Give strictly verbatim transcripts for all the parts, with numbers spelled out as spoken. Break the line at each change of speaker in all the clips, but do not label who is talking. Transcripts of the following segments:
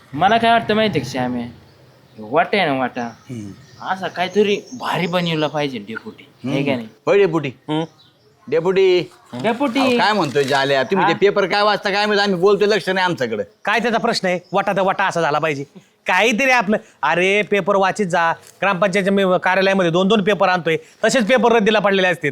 मला काय वाटतं माहिती का श्यामे वाटा आहे ना वाटा असा काहीतरी भारी बनवला पाहिजे डेपुटी हे का नाही
होय डेपुटी डेपुटी
डेपुटी
काय म्हणतोय जाल्या तुम्ही ते पेपर काय वाचता काय माहिती आम्ही बोलतोय लक्ष नाही आमच्याकडे.
काय त्याचा प्रश्न आहे वाटा तर वाटा असा झाला पाहिजे काहीतरी आपलं. अरे पेपर वाचित जा ग्रामपंचायतच्या मी कार्यालयामध्ये दोन दोन पेपर आणतोय तसेच पेपर रद्दीला पडलेले असतात.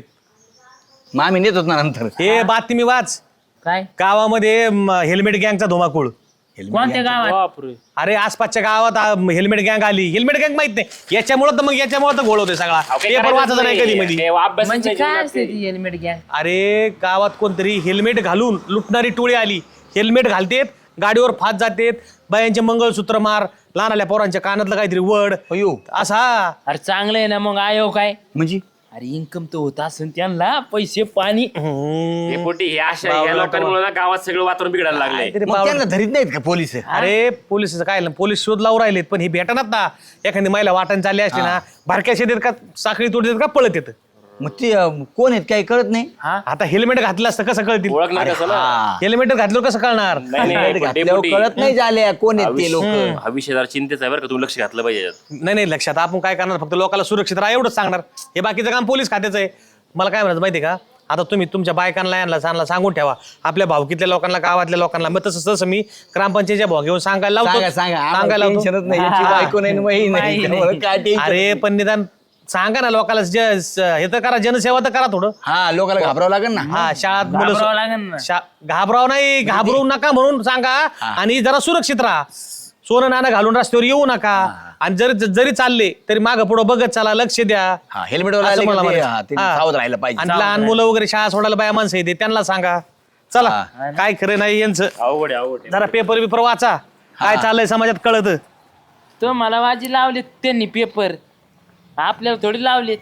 मग आम्ही नेत होत ना नंतर.
हे बातमी वाच
काय
गावामध्ये म, हेल्मेट गँगचा धुमाकूळ.
कोणत्या गावात
अरे आसपासच्या गावात आ, हेल्मेट गँग आली. हेल्मेट गँग माहित नाही याच्यामुळे तर मग याच्यामुळे तर घोळ होतोय सगळा. पेपर वाचायचा नाही कधी मध्ये.
म्हणजे काय असते ती हेल्मेट गॅंग
अरे गावात कोणतरी हेल्मेट घालून लुटणारी टोळी आली. हेल्मेट घालतेत गाडीवर फात जातेत बायांचे मंगळसूत्र मार लहानाल्या पोरांच्या कानातलं काहीतरी वड
अयो
असा.
अरे चांगलं आहे ना मग आयो काय
म्हणजे
अरे इन्कम तर होत असेल त्यांना पैसे पाणी
डेपुटी हे अशा या लोकांमुळे ना गावात सगळं वातावरण बिघडायला लागलंय.
काहीतरी
मग
पावलं-
त्यांना धरीत नाहीत का पोलीस.
अरे पोलिसचं काय झालं, पोलीस शोध लावून राहिलेत पण ही भेटणार ना. एखादी महिला वाटण चालली असते ना भारक्या शेतीत का साखळी तोड देत का पळत येत.
मग ते अं, कोण आहेत काही कळत नाही.
आता हेल्मेट घातलं असतं कसं कळतील.
ओळखणार कसं ना
हा.
हेल्मेट घातलं कसं कळणार.
नाही, नाही,
हेल्मेट
पण
घातल्यावर
डेपुटी,
कळत नाही झाल्या कोण आहेत ते लोक.
हा विषय जरा चिंतेचा आहे बरं का तुम्ही लक्ष घातलं पाहिजे याच्यात.
नाही नाही लक्षात आपण काय करणार फक्त लोकांना सुरक्षित राहा एवढंच सांगणार. हे बाकीचं काम पोलीस खात्याचं आहे. मला काय म्हणायचं माहिती का आता तुम्ही तुमच्या बायकांना यांना सांगला सांगून ठेवा आपल्या भावकीतल्या लोकांना गावातल्या लोकांना. मग तसं तसं मी ग्रामपंचायतच्या भाव घेऊन सांगायला
सांगा
लावतो
सांगा आम्हाला
सांगायला लावतो.
टेन्शनच नाही याची बायको नाही आणि वही नाही त्यामुळे काय टेन्शन.
अरे पण निदान सांगा ना लोकांना ज- स- हे तर करा जनसेवा तर करा थोडं.
हा लोकांना घाबरावं लागेल ना.
हा शाळात मुलं
घाबरावं लागेल ना.
शा- घाबराव नाही घाबरू नका म्हणून सांगा आणि जरा सुरक्षित राहा. सोनं नाणं घालून रस्त्यावर येऊ नका आणि जरी जरी चालले तरी मागं पुढं बघत चला लक्ष द्या.
हा हेल्मेट
असं मला
वाला
म्हणायचं. हा.
सावध राहायला पाहिजे.
आणि लहान मुलं वगैरे शाळा सोडायला बाया माणसं येते त्यांना सांगा चला काय खरं नाही यांचं.
अवघड आहे अवघड आहे.
जरा पेपर बिपर वाचा काय चाललंय समाजात कळत.
तो मला वाजी लावलेत त्यांनी पेपर आपल्याला थोडी लावलेत.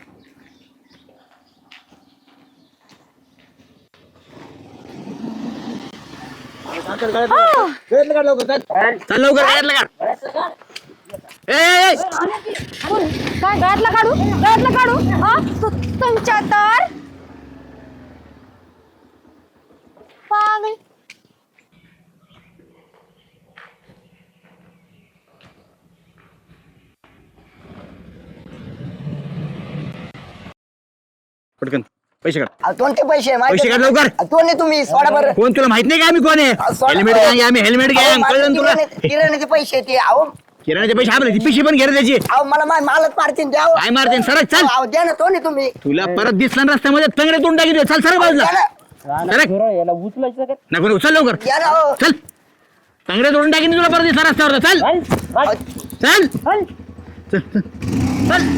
चल लवकर घरातलं काढ. ए, ए, ए.
काय गळ्यातला काढू गळ्यातला काढू हा तु- तुमच्या तर पागल.
पटकन पैसे काढ.
अहो, कोणते पैसे
पैसे काढ लवकर.
कोण आहे तुम्ही सोडा बरं
कोण तुला माहित नाही का आम्ही कोण आहे.
सोडा
हेल्मेट
बरं.
गँग आम्ही हेल्मेट
अहो,
गँग
माझे
कळलं ना तुला.
किराणे- किराण्याचे पैसे ते अहो
किराण्याचे पैसे आपले ती पिशी पण घे रे त्याची.
अहो मला मा- मालच मारतील द्या अहो.
काय मारते सरक चल.
अहो द्या ना तो नाही तुम्ही
तुला परत दिसला ना रस्त्यामध्ये तंगडे तोंड टाकी चल सरक बाजूला.
द्या ना
सरक
याला उचलायचं का
नको नको, चल लवकर
द्या ना अहो.
चल. तंगडे तोडून टाकीन तुला परत दिसला रस्त्यावर चल
अहो,
चल चल चल चल.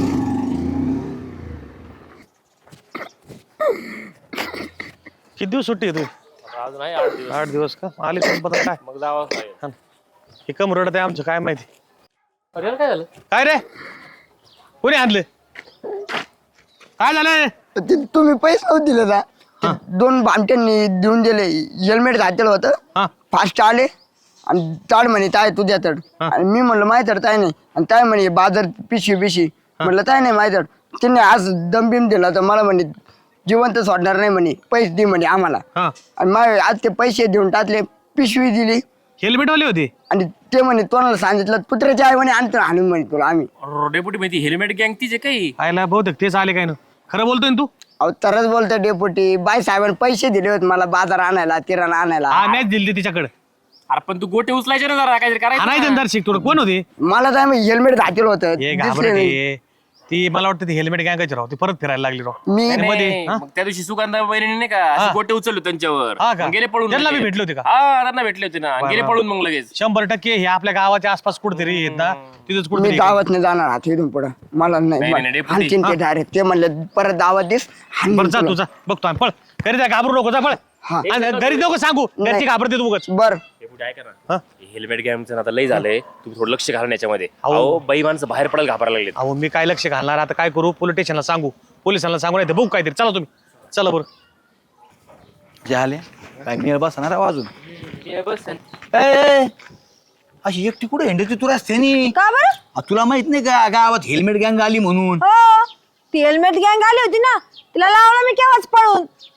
किती दिवस सुट्टी आहे
अजून आहे आठ दिवस
आठ दिवस का आले पण पता काय
मग जावंच लागेल.
हे कम रडत आहे आमचं काय माहिती.
अरे यार, काय झालं
काय रे कोणी आणलं काय झालं.
ते तुम्ही पैसे नव्हते दिले का ते दोन भामट्यांनी देऊन दिले हेल्मेट घातलेलं होतं
हा
फास्ट आले आणि ताड म्हणे ताय तुझ्या तड आणि मी म्हणलं माहिती तर ताय नाही आणि ताय म्हणे बाजार पिशी पिशी म्हणलं ताय नाही माहिती त्यांनी आज दमबिम दिला तर मला म्हणे जिवंत सोडणार नाही म्हणे पैसे दे म्हणे आम्हाला
हा
आणि मग आज ते पैसे देऊन टाकले पिशवी दिली
हेल्मेट वाले होते.
आणि ते म्हणे तोंडाला सांगितलं कुत्र्याची आई म्हणे आणतो आणून म्हणे तुला आम्ही
अरे, डेपुटी माहिती हेल्मेट गँग तिचे काही
आयला बहुतेक तेच आले काय ना खरं बोलतोय ना तू.
अहो तरच बोलतो डेपुटी बाई साहेबांनी पैसे दिले होते मला बाजार आणायला किराणा आणायला
हा मॅच दिली तिच्याकडे
अरे पण तू गोटे उचलायचे ना जरा काहीतरी करायचं
आणायचं
ना.
ना शिक थोडं कोण होते.
मला तर आम्ही हेल्मेट घातलेलं होतं
हे
दिसले
घाबरट
नाही.
आहे. ती मला वाटतं ती हेल्मेट गँगाची राव ती परत फिरायला लागली राव.
मी
आणि मध्ये
नाही,
हा?
मग त्या दिवशी सुगंधा वहिनी नाही का असे गोटे उचलले त्यांच्यावर
हा का?
मग गेले पळून
त्यांना
लगेच.
बी भेटले होते का?
हा त्यांना भेटले होते ना आणि गेले पळून मग लगेच.
शंभर टक्के हे आपल्या गावाच्या आसपास कुठेतरी येत ना तिथंच
मी
कुठेतरी
दावत नाही जाणार आता इथून पुढं मला
नाही, नाही,
नाही
डेपुटी.
हाणतील ते डायरेक्ट ते म्हणले परत दावत दिस हाणीन
बरं जा
तुला.
तुझा बघतो आम्ही, पळ घरी जा घाबरू नको जा पळ.
हा.
आणि घरी नको सांगू घरची
नाही.
घाबरते तू उगाच.
बर
डेपुटी ऐका
हा?
ना हेल्मेट गँगचं आता लय झालंय तुम्ही थोडं लक्ष घालून याच्यामध्ये
अहो.
अहो बाई माणसं बाहेर पडायला घाबरायला लागले.
अहो मी काय लक्ष घालणार आता काय करू पोलीस स्टेशनला सांगू पोलिसांना सांगू नाही बघू काहीतरी चला तुम्ही चला बरं.
झाले काय मी बसणार आहे अजून.
हे बस
ए, ए, अशी एकटी कुठे हिंडती तू रस्त्यानी.
का बरं
आ, तुला माहित नाही का गावात हेल्मेट गँग आली म्हणून.
हो ती हेल्मेट गँग आली होती ना तिला लावलं मी केव्हाच पळून.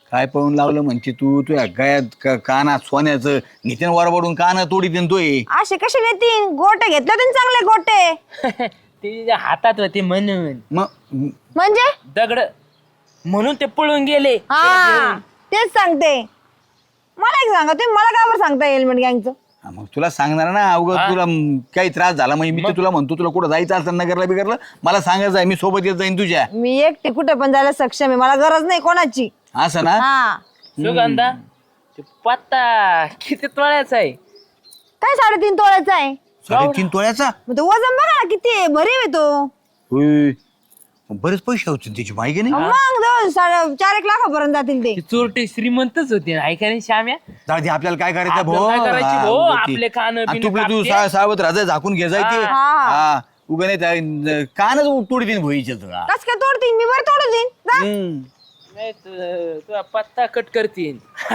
काय पळून लावलं म्हणते तू तुझ्या गळ्यात क- कानात सोन्याचं नितीन वरबडून कान तोडी देतोय.
असे कसे नेतीन गोटे घेतले तुम्ही चांगले गोटे
ते तिच्या हातात होते म्हणून
मग
म्हणजे
दगड म्हणून ते पळून गेले.
हा तेच सांगते. मला एक सांगा तुम्ही मला का बरं सांगता हेल्मेट गँगचं?
हा, मग तुला सांगणार ना अवघड तुला म, काही त्रास झाला म्हणजे मी तर तुला म्हणतो तुला कुठं जायचं असेल नगरला बिगरला मला सांगायचं आहे मी सोबत येत जाईन तुझ्या.
मी एकटी कुठे पण जायला सक्षम आहे. मला गरज नाही कोणाची.
असं ना.
हा
सुगंधा ते पत्ता किती तोळ्याचा आहे?
काय साडेतीन तोळ्याचा आहे?
साडेतीन तोळ्याचा.
मग तो वजन बघा ना किती आहे. भरीव आहे तो.
होय. बरेच पैसे होते त्याची माहिती नाही.
मग जवळ साडे चार एक लाखापर्यंत जातील ते.
ती चोरटे श्रीमंतच होते ऐका नाही श्याम्या.
जाऊ दे, आपल्याला काय करायचं
आपल्याला
भाऊ
काय करायची
हा,
भाऊ?
उगाच ते.
आपले कानं
आणि
बिनं
तू तू
कापते.
सा- सावध राजा झाकून घे जाय ते.
हा.
हा उगा नाही त्या- कानच तोडी देईन भोईचे तुला.
कस काय तोडतील? मी बरं तोडून देईन. जा.
हम्म.
नाही तु- तुझा पत्ता कट करतील.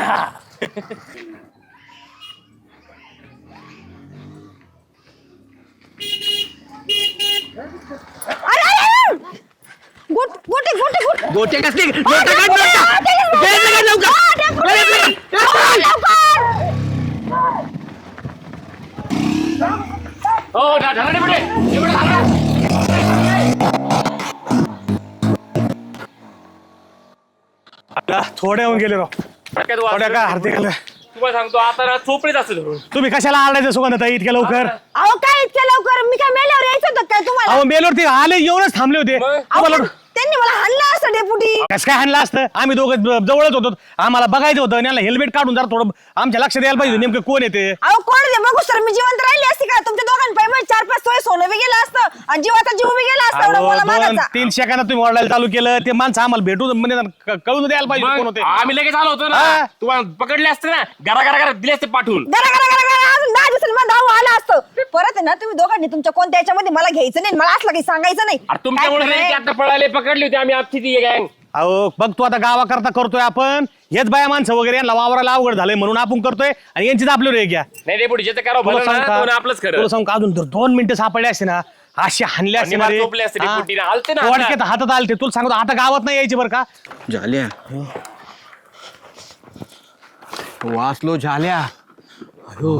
अरे, अरे, अरे! गोट गोटे गोटे गोटे
गोटे कसले गोटे काढ नोटा. गळ्यातलं काढ लवकर. गळ्यातलं काढ.
हो ढा- ढाला डेपुटी. डेपुटी ढाला.
आता थोड्या होऊन गेले राव
काय तू
थोड्या
वाचलं?
काय हरते गेलं.
तुम्हाला सांगतो आता ना चोपडीच असं धरून.
तुम्ही कशाला आलायचं सुगंधताई इतक्या लवकर?
अहो काय इतक्या लवकर? मी काय मेल्यावर यायचं होतं काय तुम्हाला?
अहो मेलवरती आले येऊनच थांबले होते.
मग?
अहो,
तुम्हाला
त्यांनी मला हाणलं असं डेपुटी.
कसं काय हाणलं असतं? आम्ही दोघं ज- जवळच होतो आम्हाला बघायचं होतं आणि याला हेल्मेट काढून जरा थोडं आमच्या लक्षात यायला पाहिजे नेमकं कोण येते.
अहो कोण ते बघू सर मी जिवंत राहिली असती का? तुमच्या दोघांपैकी चार पाच तोळे सोनं बी गेलं असतं आणि जीवाचा जीव बी गेला असता एवढं
अहो,
मला
दोन
मागायचा.
तीन सेकंदात तुम्ही ओरडायला चालू केलं ते माणसं आम्हाला भेटू म्हणजे क- कळून द्यायला पाहिजे कोण
मग
होते.
आम्ही लगेच आलो होतो
हा.
ना तुम्हाला पकडले असते ना घरा घरा घरा दिले असते पाठवून.
गरा गरा गरा गरा अजून दहा दिवसांनी मला धाव आला असतं. परत आहे ना तुम्ही दोघांनी तुमच्या कोणत्या याच्यामध्ये मला घ्यायचं नाही. मला असलं काही सांगायचं नाही.
अरे तुमच्यामुळे
काय
नाही की
खरंय?
आता पळाले पकडली होती आम्ही आमची ती गँग.
अहो बघ तू आता गावाकरता करतोय आपण हेच बाया माणसं वगैरे यांना वावराला अवघड झालंय म्हणून आपण करतोय आणि यांची आपल्यावर एक घ्या.
नाही डेपुटी ज्याचं करावं
तुला
भलं
सांग
ना
का
तो ना आपलंच खरं.
तुला सांग का अजून जर दोन मिनिटं सापडले असते ना असे हाणले असते ना
आणि
रे.
मला चोपले असते रे
हा.
पोटीने. आलते ना आता.
वाटकेत हातात आलते तुला सांगतो आता गावात नाही यायचे बरं का.
झाल्या वाचलो झाल्या. अयो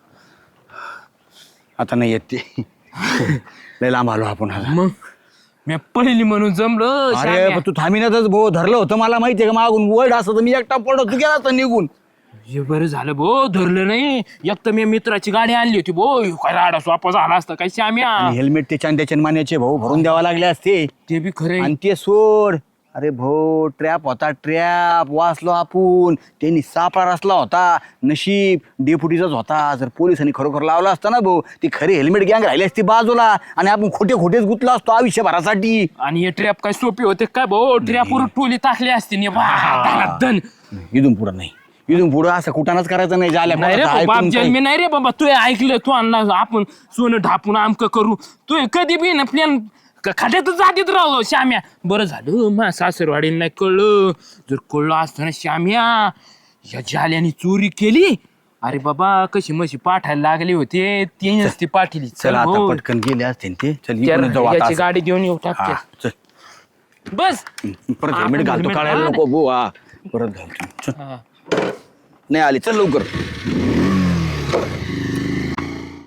आता नाही येत ते. लय लांब आलो आपण आता.
मग मी पळली म्हणून जमलो.
अरे पण तू थांबिनातच भाऊ धरलं होतं मला माहितीये का मागून वर्ड असं तर मी एकटा पडलो तू गेला असता निघून.
हे बरं झालं भो धरलं नाही. एक तर मी मित्राची गाडी आणली होती भो काय राडा स्वापा झाला असता काय श्याम्या.
हेल्मेट ते चांद्याचे मान्याचे भाऊ भरून द्यावा लागले असते.
ते बी खरं
आणि ते सोड. अरे भाऊ ट्रॅप होता ट्रॅप वाचलो आपण त्यांनी सापळा रचला होता नशीब डेपुटीचाच होता. जर पोलिसांनी खरोखर लावला असता ना भाऊ ती खरी हेल्मेट गँग राहिली असती बाजूला आणि आपण खोटे खोटेच गुतलो असतो आयुष्यभरासाठी.
आणि हे ट्रॅप काय सोपे होते काय भाऊ? ट्रॅपवर टोली टाकली असती ने बा धन.
इथून पुढं नाही इथून पुढं असं कुठानच करायचं नाही झाल्या
नाही रे बाप जन्मी नाही रे बाबा. तू ऐकलं तू आणला आपण सोनं ढापून आमक करू. तू कधी बी ना प्लॅन खाट्यातच जातीत राहलो श्याम्या. बरं झालं मा सासरवाडीला नाही कळलं. जर कळलं असतं ना श्याम्या या जाल्याने चोरी केली. अरे बाबा कशी मशी पाठायला लागले होते ते नसती पाठीली.
चल आता
भाऊ.
पटकन गेले असते ते. चल
त्या
इकडून जाऊ आता
याची
असं.
गाडी देऊन येऊ
हा,
टाकते
चल
बस.
परत
आपण
हेल्मेट घालतो
helmet
काढायला
घाल.
नको भाऊ. हा परत घालतो चल.
हा.
नाही आली चल लवकर.